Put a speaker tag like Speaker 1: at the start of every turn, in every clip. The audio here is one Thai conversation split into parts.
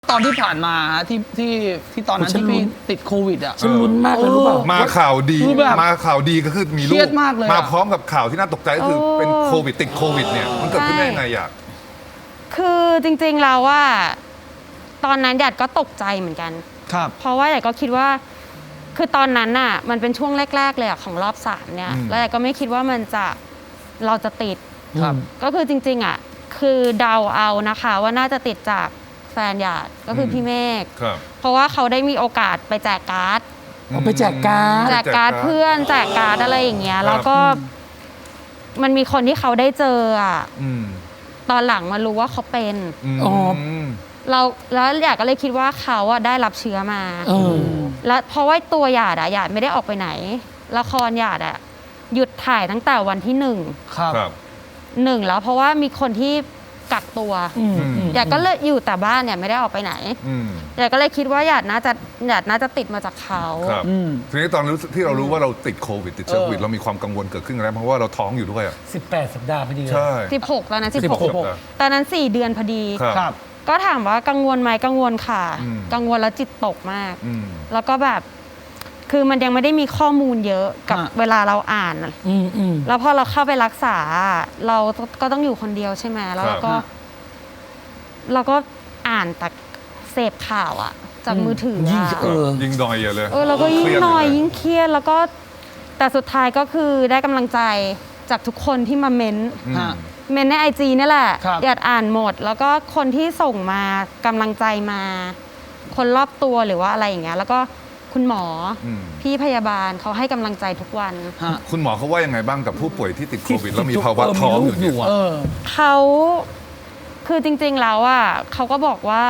Speaker 1: ตอนที่ผ่านมาที่ตอนนั้นที่พี่ติดโควิดอ่ะ
Speaker 2: ฉันลุ้นมากเลยรู้เปล่า
Speaker 3: มาข่าวดี
Speaker 1: คือแบบ
Speaker 3: มาข่าวดีก็คือมีลู
Speaker 1: เครี
Speaker 3: ก
Speaker 1: ยดมากเลยอะ
Speaker 3: มาพร้อมกับข่าวที่น่าตกใจก็คือเป็นโควิดติดโควิดเนี่ยมันเกิดขึ้นได้ยังไงอยาก
Speaker 4: คือจริงๆแล้วว่าตอนนั้นหยาดก็ตกใจเหมือนกัน
Speaker 1: ครับ
Speaker 4: เพราะว่าหยาดก็คิดว่าคือตอนนั้นน่ะมันเป็นช่วงแรกๆเลยอะของรอบ3เนี่ยแล้วหยาดก็ไม่คิดว่าเราจะติด
Speaker 1: ครับ
Speaker 4: ก็คือจริงๆอ่ะคือเดาเอานะคะว่าน่าจะติดจากแฟนหยาดก็คือพี่เมฆ
Speaker 3: ครับ
Speaker 4: เพราะว่าเขาได้มีโอกาสไปแจกการ์ด
Speaker 2: เอาไปแจกการ์ด
Speaker 4: แจกการ์ดเพื่อนแจกการ์ดอะไรอย่างเงี้ยแล้วก็มันมีคนที่เขาได้เจออ่ะ
Speaker 3: อืม
Speaker 4: ตอนหลังมารู้ว่าเขาเป็น
Speaker 2: อ๋อ
Speaker 4: แล้วหยาดก็เลยคิดว่าเขาอะได้รับเชื้อมา
Speaker 2: เออ
Speaker 4: แล้วเพราะว่าตัวหยาดอะหยาดไม่ได้ออกไปไหนละครหยาดอะหยุดถ่ายตั้งแต่วันที่
Speaker 1: ครับ
Speaker 3: ครับ
Speaker 4: 1แล้วเพราะว่ามีคนที่กักตัวหยาดก็เลยอยู่แต่บ้านเนี่ยไม่ได้ออกไปไหน
Speaker 3: อืม
Speaker 4: หยาดก็เลยคิดว่าหยาดน่าจะติดมาจากเขา
Speaker 3: ครับ
Speaker 1: อืม
Speaker 3: ทีนี้ตอนที่เรารู้ว่าเราติดโควิดติดเชื้อโควิดเรามีความกังวลเกิดขึ้นแล้วเพราะว่าเราท้องอยู่ด้วยอ่ะ
Speaker 2: 18 สัปดาห์พอดีเลย
Speaker 3: ใช่
Speaker 4: 16ตอนนั้น
Speaker 3: 16
Speaker 4: 16ตอนนั้น4 เดือนพอดี
Speaker 3: ครับ
Speaker 1: ครับ
Speaker 4: ก็ถามว่ากังวลไหมกังวลค่ะ
Speaker 3: อืม
Speaker 4: กังวลแล้วจิตตกมาก
Speaker 3: อืม
Speaker 4: แล้วก็แบบคือมันยังไม่ได้มีข้อมูลเยอะกับ
Speaker 1: ฮะ
Speaker 4: เวลาเราอ่านอะ
Speaker 2: อืม
Speaker 4: แล้วพอเราเข้าไปรักษาเราก็ต้องอยู่คนเดียวใช่ไหมแล้วเราก็อ่านแต่เสพข่าวอะจากมือถือ
Speaker 2: ยิ่ง
Speaker 4: อะ
Speaker 3: ยิงดอยเลย
Speaker 4: เราก็ยิ่ง
Speaker 3: เครีด
Speaker 4: นอย
Speaker 3: เล
Speaker 4: ยิ่งเครียดแล้วก็แต่สุดท้ายก็คือได้กำลังใจจากทุกคนที่มาเม้น
Speaker 3: อืม
Speaker 1: ฮะ
Speaker 4: เมนในไอจีนี่แหละ
Speaker 1: ครับ
Speaker 4: อยากอ่านหมด แล้วก็คนที่ส่งมากำลังใจมา คนรอบตัวหรือว่าอะไรอย่างเงี้ยแล้วก็คุณหมออ
Speaker 3: ม
Speaker 4: พี่พยาบาลเขาให้กำลังใจทุกวัน
Speaker 1: ฮะ
Speaker 3: คุณหมอเขาว่ายังไงบ้างกับผู้ป่วยที่ติดโควิด
Speaker 2: ที่
Speaker 3: แล้วมีภาวะ
Speaker 2: เออ
Speaker 3: ท้อง
Speaker 2: มี
Speaker 3: อยู่
Speaker 2: ลูกอยู่
Speaker 3: เนี่ย
Speaker 2: อะ
Speaker 1: เออ
Speaker 4: เขาคือจริงๆแล้วอ่ะเขาก็บอกว่า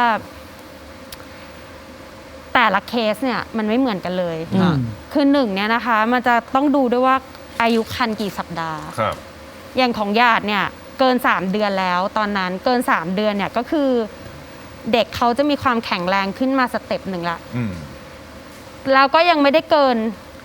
Speaker 4: แต่ละเคสเนี่ยมันไม่เหมือนกันเลย
Speaker 2: อืม
Speaker 4: คือหนึ่งเนี่ยนะคะ มันจะต้องดูด้วยว่าอายุครรภ์กี่สัปดาห์
Speaker 3: ครับ
Speaker 4: อย่างของญาติเนี่ยเกิน 3 เดือนแล้ว ตอนนั้นเกิน 3 เดือนเนี่ยก็คือ เด็กเขาจะมีความแข็งแรงขึ้นมาสเต็ปหนึ่งละ
Speaker 3: อืม
Speaker 4: แล้วก็ยังไม่ได้เกิน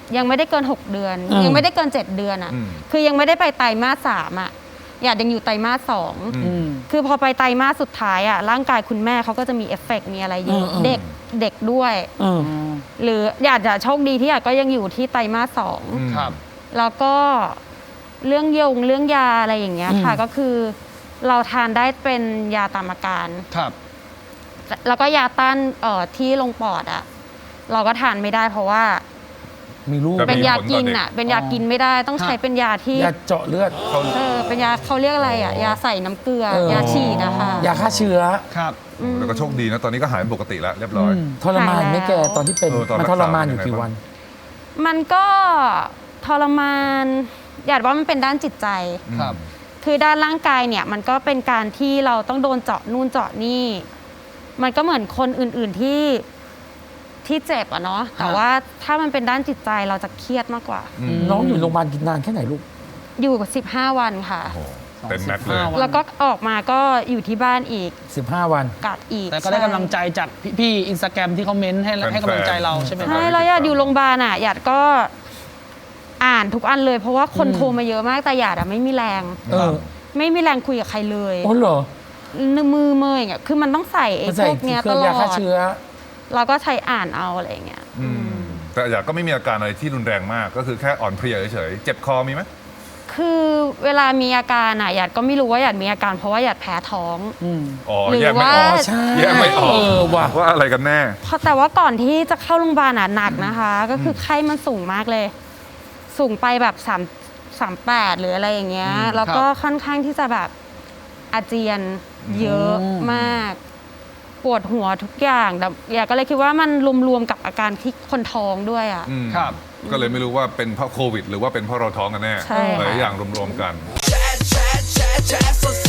Speaker 4: 6 เดือน ยังไม่ได้เกิน 7 เดือนอ่ะ
Speaker 3: อืม
Speaker 4: คือยังไม่ได้ไปไตรมาส 3อ่ะญาติยังอยู่ไตรมาส 2
Speaker 1: อืม
Speaker 4: คือพอไปไตรมาสสุดท้ายอ่ะร่างกายคุณแม่เขาก็จะมีเอฟเฟกต์มีอะไรเยอะ
Speaker 2: อืม
Speaker 4: เด็กด้วย
Speaker 2: เออ
Speaker 4: หรืออยากจะโชคดีที่อยากก็ยังอยู่ที่ไตรมาส
Speaker 3: อืม
Speaker 1: ครับ
Speaker 4: 2แล้วก็เรื่องเรื่องยาอะไรอย่างเงี้ยค่ะ ก็คือเราทานได้เป็นยาตามอาการ
Speaker 1: ครับ
Speaker 4: แล้วก็ยาต้านที่ลงปอดอ่ะเราก็ทานไม่ได้เพราะว่า
Speaker 2: มีลูก
Speaker 3: แต่
Speaker 4: เป็นยากิน
Speaker 3: มีผลต่อเด็ก
Speaker 4: อ่ะเป็นยากินไม่ได้ต้องใช้เป็นยาที่
Speaker 2: ยาเจาะเลือด
Speaker 3: เขา
Speaker 4: เป็นยาเขาเรียกอะไรอ่ะยาใส่น้ำเกลือ
Speaker 2: เออ
Speaker 4: ยาฉีดนะคะ
Speaker 2: ยาฆ่าเชื้อ
Speaker 1: ครับ
Speaker 3: แล้วก็โชคดีนะตอนนี้ก็หายเป็นปกติแล้วเรียบร้อย
Speaker 2: ทรมานไหม่แกตอนที่เป็น
Speaker 3: ตอนรั
Speaker 2: มัน
Speaker 3: กษา
Speaker 2: ทรมานอยู่
Speaker 3: เป็นยังไง
Speaker 2: กี่
Speaker 3: บ้าง
Speaker 2: วัน
Speaker 4: มันก็ทรมานอยากว่ามันเป็นด้านจิตใจ
Speaker 1: ครับ
Speaker 4: คือด้านร่างกายเนี่ยมันก็เป็นการที่เราต้องโดนเจาะนู่นเจาะนี่ มันก็เหมือนคนอื่นๆที่เจ็บอะเนาะแต่ว่าถ้ามันเป็นด้านจิตใจเราจะเครียดมากกว่า
Speaker 2: น้องอยู่โรงพยาบาลกินนานแค่ไหนลูก
Speaker 4: อยู่กับ15 วันค่ะ
Speaker 3: โอ้โหเต็มแม็กซ์เลย
Speaker 1: 15 วัน
Speaker 4: แล้วก็ออกมาก็อยู่ที่บ้านอีก
Speaker 2: 15 วัน
Speaker 4: กัดอีก
Speaker 1: แต่ก็ได้กำลังใจจากพี่อินสตาแกรมที่เขาเม้นให้กำลังใจเราใช่ไหมค
Speaker 4: ใช่
Speaker 1: รับ
Speaker 4: แล้วอยากอยู่โรงพยาบาลอะอยากก็อ่านทุกอันเลย เพราะว่าคนโทรมาเยอะมากแต่อยากอะไม่มีแรง
Speaker 2: เออ
Speaker 4: ไม่มีแรงคุยกับใครเลย
Speaker 2: โอ้เหรอ
Speaker 4: มือเมยอย่างเงี้ยคือมันต้องใส่ไอ้
Speaker 2: มัน
Speaker 4: พ
Speaker 2: ใส่
Speaker 4: วกเนี้ย
Speaker 2: เค
Speaker 4: ต
Speaker 2: รื่อง
Speaker 4: ล
Speaker 2: ยา
Speaker 4: อ
Speaker 2: ฆ่า
Speaker 4: ด
Speaker 2: เชื้อ
Speaker 4: เราก็ใช้อ่านเอาอะไรอย่างเงี้ย
Speaker 3: แต่อยากก็ไม่มีอาการอะไรที่รุนแรงมาก ก็คือแค่อ่อนเพลียเฉยๆเจ็บคอมีไหม
Speaker 4: คือเวลามีอาการอะหยาดก็ไม่รู้ว่าหยาดมีอาการเพราะว่าหยาดแพ้ท้อง
Speaker 3: อ๋อ
Speaker 4: หรือ
Speaker 3: แยกไม่ออก
Speaker 4: ว่า
Speaker 2: ใช่
Speaker 3: แยกไม่ออก
Speaker 2: เออว่ะ
Speaker 3: ว่าอะไรกันแน่
Speaker 4: แต่ว่าก่อนที่จะเข้าโรงพยาบาลอะหนักนะคะ ก็คือไข้มันสูงมากเลย สูงไปแบบ38หรืออะไรอย่างเงี้ยแล้วก็ค่อนข้างที่จะแบบอาเจียนเยอะมาก ปวดหัวทุกอย่างแต่อยากก็เลยคิดว่ามันรวมๆกับอาการที่คนท้องด้วยอะ
Speaker 3: อืม
Speaker 1: ครับ
Speaker 3: ก็เลยไม่รู้ว่าเป็นเพราะโควิด หรือว่าเป็นเพราะเราท้องกันแน่
Speaker 4: ใช่ค่ะ
Speaker 3: หลายอย่างรวมๆกัน
Speaker 5: chat, chat, chat, chat, so